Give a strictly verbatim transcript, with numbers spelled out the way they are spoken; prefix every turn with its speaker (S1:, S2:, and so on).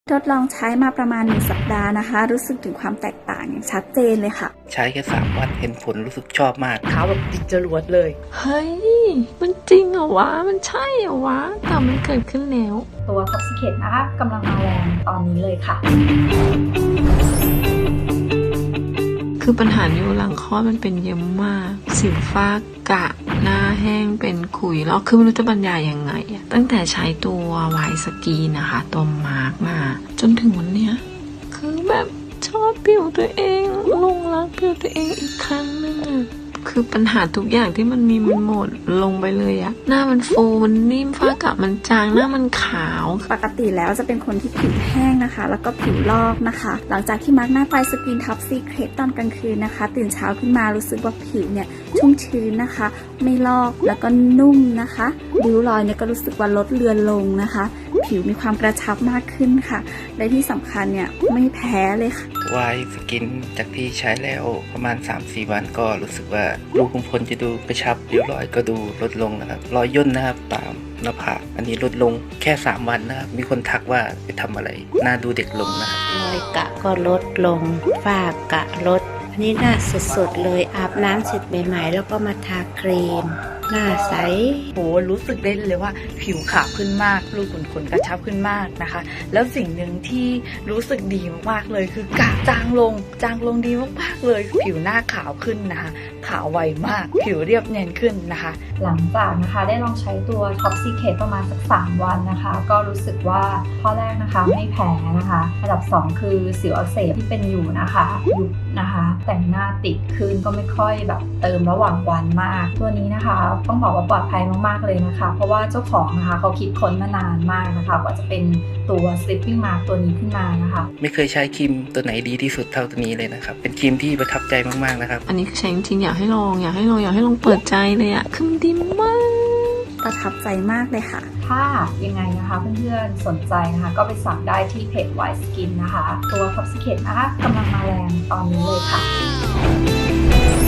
S1: ทดลองใช้มาประมาณหนึ่งสัปดาห์นะคะรู้สึกถึงความแตกต่างอย่างชัดเจนเลยค่ะ
S2: ใช้แค่สามวันเห็นผลรู้สึกชอบมาก
S3: ขาวแบบติดจรวดเลย
S4: เฮ้ยมันจริงเหรอวะมันใช่เหรอวะแต่มันเกิดขึ้นแล้ว
S5: ตัว Toxicate นะคะกำลังมาแรงตอนนี้เลยค่ะ
S4: คือปัญหานิ้วหลังคลอดมันเป็นเยอะมากสิวฟ้ากระหน้าแห้งเป็นขุยแล้วคือไม่รู้จะบรรยายยังไงอะตั้งแต่ใช้ตัวไวสกีนะคะตัวมาร์กมาจนถึงวันเนี้ยคือแบบชอบผิวตัวเองลงรักผิวตัวเองอีกครั้งนึงอะคือปัญหาทุกอย่างที่มันมีมันหมดลงไปเลยอะหน้ามันฟูมันนิ่มฝ้ากระมันจางหน้ามันขาว
S1: ปกติแล้วจะเป็นคนที่ผิวแห้งนะคะแล้วก็ผิวลอกนะคะหลังจากที่มาร์กหน้าไฟสกินท็อปซีเครตตอนกลางคืนนะคะตื่นเช้าขึ้นมารู้สึกว่าผิวเนี่ยชุ่มชื้นนะคะไม่ลอกแล้วก็นุ่มนะคะริ้วรอยเนี่ยก็รู้สึกว่าลดเลือนลงนะคะผิวมีความกระชับมากขึ้นค่ะและที่สำคัญเนี่ยไม่แพ้เลยค่ะ
S2: วายสกินจากที่ใช้แล้วประมาณ สามสี่ วันก็รู้สึกว่ารูขุมขนจะดูกระชับริ้วรอยก็ดูลดลงนะครับรอยย่นนะครับตามหน้าผากอันนี้ลดลงแค่สามวันนะครับมีคนทักว่าไปทำอะไรหน้าดูเด็กลงนะครับ
S6: รอยกะก็ลดลงฝ้ากะลดอันนี้หน้าสดๆเลยอาบน้ำเสร็จใหม่ๆแล้วก็มาทาครีมหน้าใส
S3: โหรู้สึกได้เลยว่าผิวขาวขึ้นมากรูขุมขนกระชับขึ้นมากนะคะแล้วสิ่งหนึ่งที่รู้สึกดีมากๆเลยคือกระจางลงจางลงดีมากๆเลยผิวหน้าขาวขึ้นนะคะขาวไวมากผิวเรียบเนียนขึ้นนะคะ
S5: หลังจากนะคะได้ลองใช้ตัว Toxicate ประมาณสักสามวันนะคะก็รู้สึกว่าข้อแรกนะคะไม่แพ้นะคะอันดับสองคือสิวอักเสบที่เป็นอยู่นะคะยุบนะคะแต่งหน้าติดขึ้นก็ไม่ค่อยแบบเติมระหว่างวันมากตัวนี้นะคะต้องบอกว่าปลอดภัยมากๆเลยนะคะเพราะว่าเจ้าของนะคะเขาคิดค้นมานานมากนะคะกว่าจะเป็นตัว Sleeping Mask ตัวนี้ขึ้นมานะคะ
S2: ไม่เคยใช้ครีมตัวไหนดีที่สุดเท่าตัวนี้เลยนะครับเป็นครีมที่ประทับใจมากๆนะครับ
S4: อันนี้ใช้จริงๆอยากให้ลองอยากให้ลองอยากให้ลองเปิดใจเลยอะคือดีมาก
S1: ประทับใจมากเลยค่ะ
S5: ถ้ายังไงนะคะเพื่อนๆสนใจนะคะก็ไปสั่งได้ที่เพจ White Skin นะคะตัว Toxicate นะคะกำลังมาแรงตอนนี้เลยค่ะ